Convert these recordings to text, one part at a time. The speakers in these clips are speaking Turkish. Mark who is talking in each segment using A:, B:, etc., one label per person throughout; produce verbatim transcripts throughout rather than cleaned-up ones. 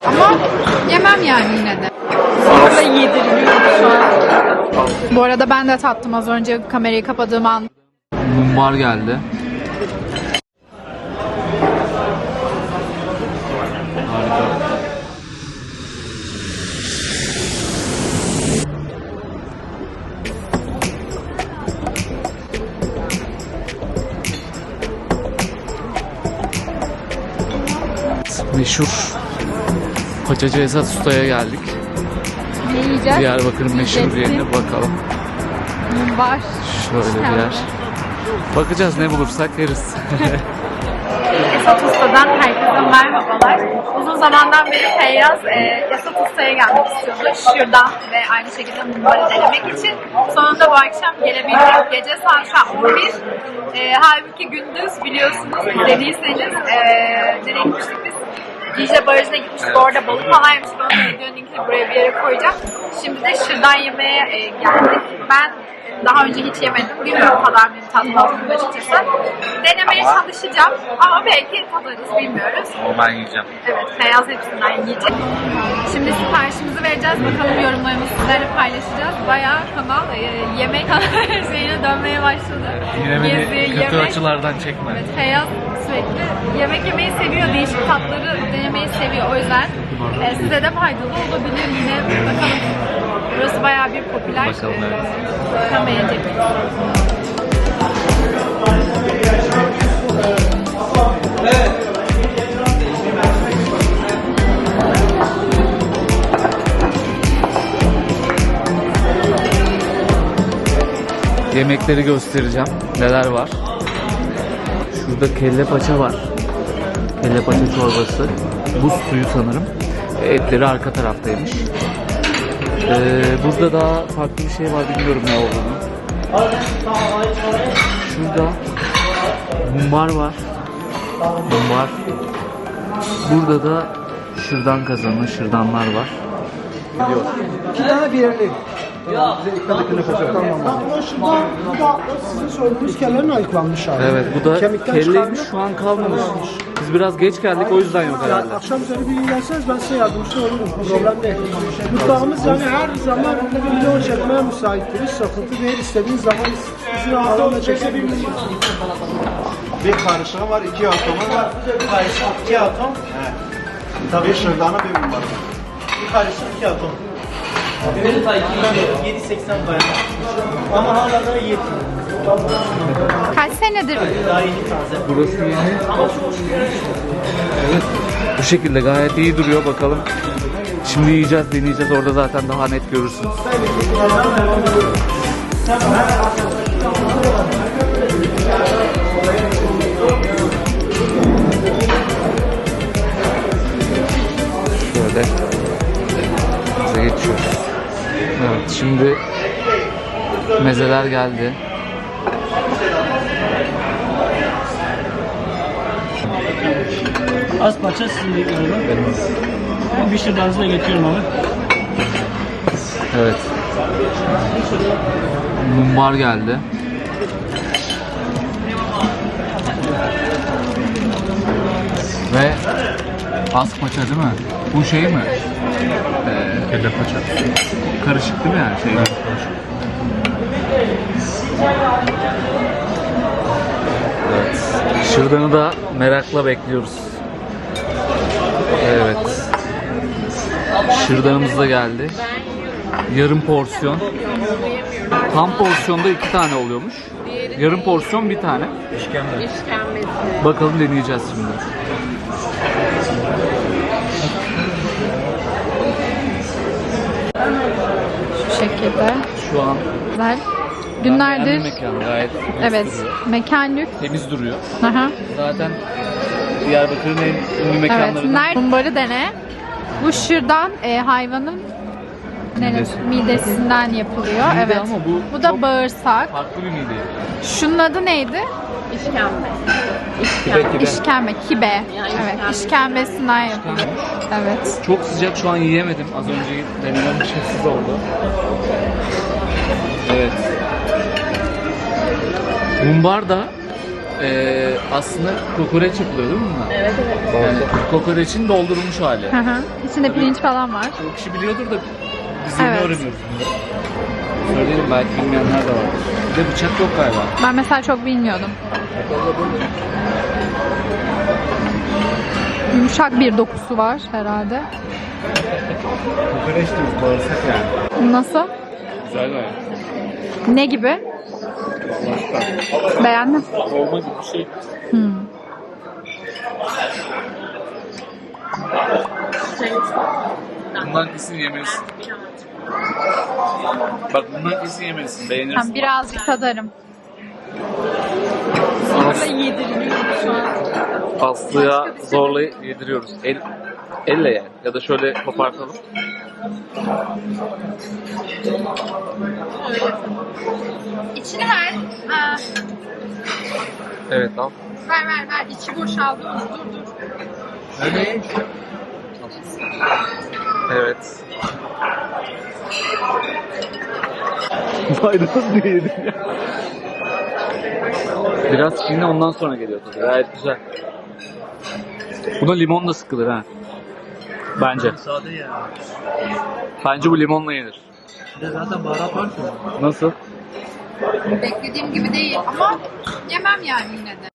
A: Ama yemem yani yine de. Sonra yediriliyor şu an. Bu arada ben de tattım az önce kamerayı kapadığım an.
B: Mumbar geldi. Harika. Meşhur Paçacı Esat Usta'ya geldik.
A: Ne yiyeceğiz?
B: Diyarbakır'ın meşhur yerine bakalım.
A: Mumbar.
B: Şöyle bir yer. Bakacağız, ne bulursak yeriz.
A: Esat Usta'dan herkese merhabalar. Uzun zamandan beri Feyyaz e, Esat Usta'ya gelmek istiyordu. Şuradan ve aynı şekilde mumbarı denemek için. Sonunda bu akşam gelebildik. Gece saat şu an on bir. E, halbuki gündüz biliyorsunuz izlediyseniz e, nereye gitmiştik biz? Dicle Barajı'na gitmiştik. Orada balık falan yemiştik. Onun videonun linkini buraya bir yere koyacağım. Şimdi de şırdan yemeğe e, geldik. Ben daha önce hiç yemedim. Bilmiyorum kadar benim tatlı olduğunu açıkçası. Denemeye ama çalışacağım ama belki tadarız, bilmiyoruz.
B: Ama ben yiyeceğim.
A: Evet, Feyyaz hepsinden yiyecek. Şimdi siparişimizi vereceğiz. Bakalım yorumlarımızı sizlerle paylaşacağız. Bayağı kanal e, yemek şeyine dönmeye başladı.
B: Yine beni
A: Gezi,
B: kötü
A: yemek.
B: açılardan çekme.
A: Evet, Feyyaz sürekli yemek yemeyi seviyor. Değişik tatları denemeyi seviyor. O yüzden e, size de faydalı olabilir yine. Bakalım. Burası bayağı bir popüler.
B: Bakalım, evet.
A: Bakalım beğenecek.
B: Yemekleri göstereceğim. Neler var? Şurada kelle paça var. Kelle paça çorbası. Buz suyu sanırım. Etleri arka taraftaymış. Ee, burada daha farklı bir şey var, bilmiyorum ne olduğunu. Şurada mumbar var. Mumbar. Burada da şırdan kazanı, şırdanlar var. Gidiyor.
C: İki tane diğerli. Ya. Bize dikkat edin efendim. Tamam. Şurada bu da sizin söylediğiniz kellerin ayıklanmış hali.
B: Evet, bu da
C: Kemikten
B: kelleymiş,
C: çıkardık.
B: şu an kalmamış. Biz biraz geç geldik, o yüzden yok herhalde.
C: Yani akşam üzeri bir gün gelseniz ben size yardımcı olurum. Problem değil. Mutfağımız yani her zaman video çekmeye müsaittir. Hiç sıkıntı değil. İstediğiniz zaman izin alanla çekebilirsiniz.
D: Bir karışığı var, iki atomu var. Bir karışık iki atom. Evet. Tabii şırdanı bir mumbar. Bir karışık iki atom. Benim sayı yedi seksen bayağı. Ama hala da yedi.
A: Kaç senedir?
D: Daha yeni taze.
B: Burası yeni. Evet. Bu şekilde gayet iyi duruyor, bakalım. Şimdi yiyeceğiz, deneyeceğiz. Orada zaten daha net görürsünüz. Şöyle bize geçiyoruz. Evet, şimdi mezeler geldi.
E: Az parça sizin de galiba. Ben bir şırdanınızı da getiriyorum abi.
B: Evet. Mumbar geldi. Ve az paça değil mi? Bu şey mi? Ee, Kelle paça. Karışık değil mi yani? Şey, evet, evet. Şırdanı da merakla bekliyoruz. Evet. Şırdanımız da geldi. Yarım porsiyon. Tam porsiyonda iki tane oluyormuş. Yarım porsiyon bir tane. İşkembe. Bakalım, deneyeceğiz şimdi.
A: Şu şekilde.
B: Şu an
A: Güzel. Günlerdir.
B: beğendim mekanı, gayet lüks
A: Evet.
B: duruyor.
A: Mekan lüks.
B: Temiz duruyor.
A: Aha.
B: Zaten Diyarbakır'ın en ünlü
A: Evet.
B: mekanlarından.
A: Nerede? Mumbarı dene. Bu şırdan e, hayvanın neresi? Midesinden yapılıyor.
B: Mide,
A: Evet.
B: ama bu
A: Bu da
B: çok
A: bağırsak.
B: farklı bir mide.
A: Şunun adı neydi?
F: İşkembe.
B: Kibe kibe.
A: İşkembe, kibe.
F: Yani
A: Evet,
F: işkembe.
A: işkembesinden yapılıyor. Evet.
B: Çok sıcak, şu an yiyemedim. Az önce denemem şefsiz oldu. Evet. Mumbar da Ee, aslında kokoreç yapılıyor değil mi bunlar?
A: Evet evet.
B: Yani kokoreçin doldurulmuş hali.
A: Hı hı. İçinde pirinç falan var.
B: Çok kişi biliyordur da biz yeni
A: Evet.
B: öğreniyoruz bunları. Söyleyelim, belki bilmeyenler de var. Bir de bıçak yok galiba.
A: Ben mesela çok bilmiyordum. Yumuşak bir dokusu var herhalde.
D: Kokoreç diyoruz, bağırsak yani.
A: Nasıl?
B: Güzel gayet.
A: Ne gibi? Beğendin?
B: Dolma gibi bir şey.
A: Hmm.
B: Bundan kesin yemelisin. Bak bundan kesin yemelisin. Beğenirsin.
A: Tamam, birazcık tadarım.
B: Aslı'ya zorla yediriyoruz. El, elle yani. Ya da şöyle kopartalım.
A: İçini ver. Ha,
B: Evet al.
A: ver ver ver. İçi boşaldı. Dur dur.
B: Öyle. Evet. Maydanoz diye yedim ya. Biraz çiğne, ondan sonra geliyor tadı. Gayet güzel. Buna limon da sıkılır ha. Bence.
E: Sade ya.
B: Bence bu limonla yenir.
E: Bir de zaten baharat var ki.
B: Nasıl?
A: Beklediğim gibi değil ama yemem yani yine de.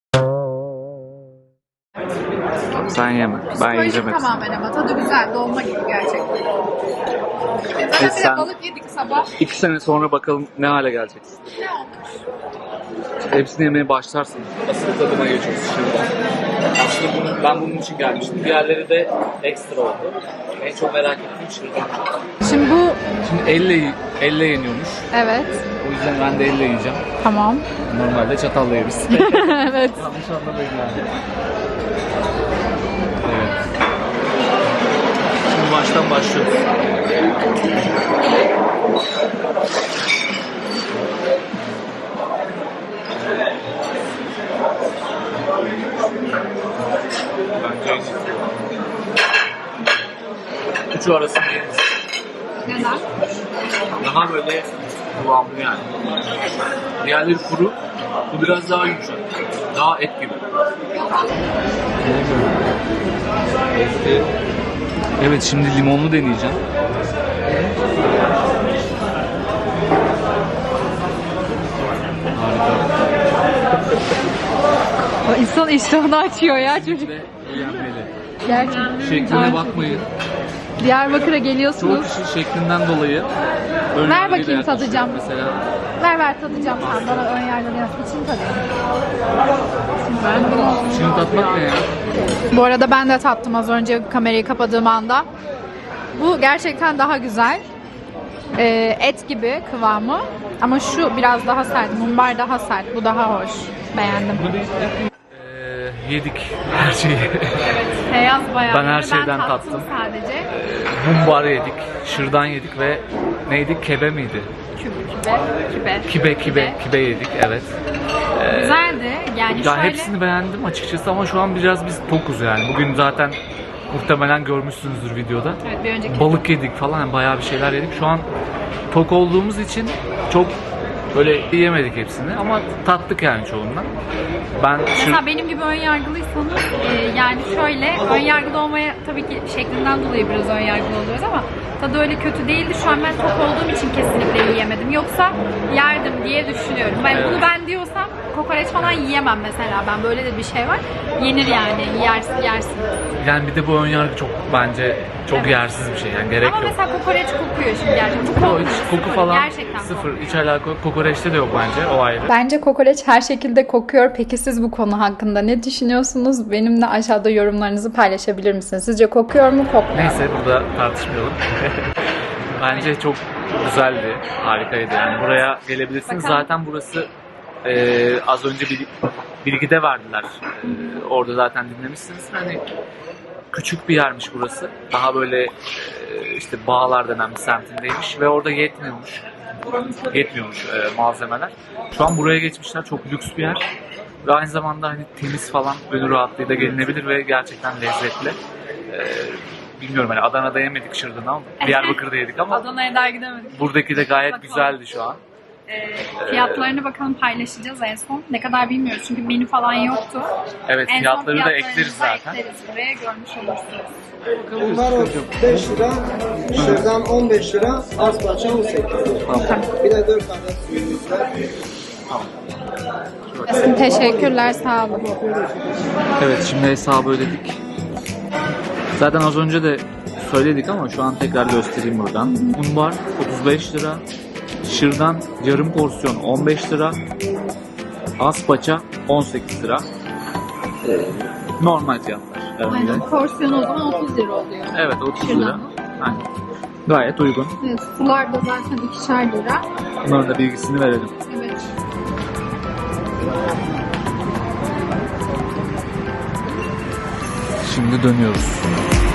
B: Sen yeme. Ben
A: Psikolojik
B: yiyeceğim hepsini.
A: tamamen ama tadı güzel. Dolma gibi gerçekten. Zaten bir de
B: sen-
A: balık yedik sabah.
B: İki sene sonra bakalım ne hale geleceksin.
A: Ne olmuş?
B: Hepsini yemeye başlarsın. Asıl tadına geçiyorsun şimdi. Aslında bunu, ben bunun için gelmiştim. Diğerleri de ekstra oldu. En çok merak ettiğim şırdan.
A: Şimdi bu
B: Şimdi elle, elle yeniyormuş.
A: evet.
B: O yüzden ben de elle yiyeceğim.
A: Tamam.
B: Normalde çatalla yeriz.
A: Evet.
E: Yanlış anlamayın yani.
B: Evet. Şimdi baştan başlıyoruz. Bence en iyisi. Üçü arasında en iyisi.
A: Neden?
B: Daha böyle kıvamlı yani. Diğerleri kuru. Bu biraz daha yumuşak. Daha et gibi. Evet, şimdi limonlu deneyeceğim. Harika.
A: İnsan iştahını açıyor ya çocuk.
B: Ve beğenmeli.
A: Gerçekten.
B: Şekline bakmayın.
A: Diyarbakır'a
B: Çoğu
A: geliyorsunuz.
B: kişi şeklinden dolayı ön
A: Ver
B: yargıyla
A: bakayım,
B: yaklaşıyor.
A: tadacağım.
B: Mesela
A: Ver ver tadacağım sen bana ön yargılı yap. İçini tadayım. Ben bunu...
B: şimdi tatmak ne ya?
A: Bu arada ben de tattım az önce kamerayı kapadığım anda. Bu gerçekten daha güzel. Ee, et gibi kıvamı. Ama şu biraz daha sert. Mumbar daha sert. Bu daha hoş. Beğendim.
B: Ee, yedik her şeyi.
A: Beyaz bayağı.
B: Ben her şeyden tattım.
A: sadece.
B: Mumbar yedik, şırdan yedik ve neydi? Kebe miydi?
A: Kübe. Kübe.
B: Kibe, kibe, kibe yedik, evet. Ee,
A: Güzeldi. Yani
B: ya
A: şöyle...
B: hepsini beğendim açıkçası ama şu an biraz biz tokuz yani. Bugün zaten muhtemelen görmüşsünüzdür videoda.
A: Evet, bir önceki.
B: Balık yedik falan, yani bayağı bir şeyler yedik. Şu an tok olduğumuz için çok böyle yemedik hepsini ama tattık yani çoğundan. Ben
A: Mesela
B: şır...
A: benim gibi ön yargılıysanız e, yani şöyle ön yargılı olmaya tabii ki şeklinden dolayı biraz ön yargılı oluyoruz ama tadı öyle kötü değildi. Şu an ben tok olduğum için kesinlikle yiyemedim. Yoksa yerdim diye düşünüyorum. Ben,
B: Evet.
A: Bunu ben diyorsam kokoreç falan yiyemem mesela. Ben böyle de bir şey var. Yenir yani. Yersin, yersin.
B: Yani bir de bu ön yargı çok bence çok
A: Evet.
B: yersiz bir şey yani, gerek
A: Ama
B: yok.
A: mesela kokoreç kokuyor şimdi gerçekten. Bu
B: Yok,
A: kokmuyor,
B: hiç koku
A: sıfır.
B: falan
A: Gerçekten
B: sıfır.
A: kokmuyor.
B: Hiç alaka yok. Kokoreçte de yok bence, o ayrı.
F: Bence kokoreç her şekilde kokuyor. Peki siz bu konu hakkında ne düşünüyorsunuz? Benimle aşağıda yorumlarınızı paylaşabilir misiniz? Sizce kokuyor mu, kokmuyor mu?
B: Neyse, burada tartışmayalım. Bence çok güzeldi, harikaydı yani. Buraya gelebilirsiniz.
A: Bakalım.
B: Zaten burası e, az önce bir bilgide verdiler. E, orada zaten dinlemişsiniz. Hani küçük bir yermiş burası. Daha böyle e, işte Bağlar denen bir semtindeymiş ve orada yetmiyormuş. Yetmiyormuş e, malzemeler. Şu an buraya geçmişler. Çok lüks bir yer. Ve aynı zamanda hani temiz falan, gönül rahatlığıyla gelinebilir ve gerçekten lezzetli. E, bilmiyorum, hani Adana'da yemedik şırdanı ama Diyarbakır'da yedik ama
A: Adana'ya daha gidemedik.
B: buradaki de gayet güzeldi şu an.
A: Ee, fiyatlarını bakalım paylaşacağız en son. Ne kadar bilmiyoruz çünkü menü falan yoktu.
B: Evet,
A: En son
B: fiyatları da
A: fiyatlarını
B: ekleriz
A: da
B: zaten.
A: ekleriz buraya, görmüş olursunuz.
C: Bunlar otuz beş lira, şırdan on beş lira, aspaça on sekiz lira. Bir de dört adet suyumuz var.
F: Teşekkürler, sağ olun.
B: Evet, şimdi hesabı ödedik. Zaten az önce de söyledik ama şu an tekrar göstereyim buradan. Mumbar otuz beş lira, şırdan yarım porsiyon on beş lira, aspaça on sekiz lira. Ee, normal fiyatlar. herhalde.
F: Aynen, porsiyon o zaman otuz lira oluyor.
B: Evet, otuz lira.
F: Şırdan.
B: Aynen. Gayet uygun.
F: Evet, sular da zaten ikişer lira.
B: Bunların da bilgisini verelim.
F: Evet.
B: Şimdi dönüyoruz.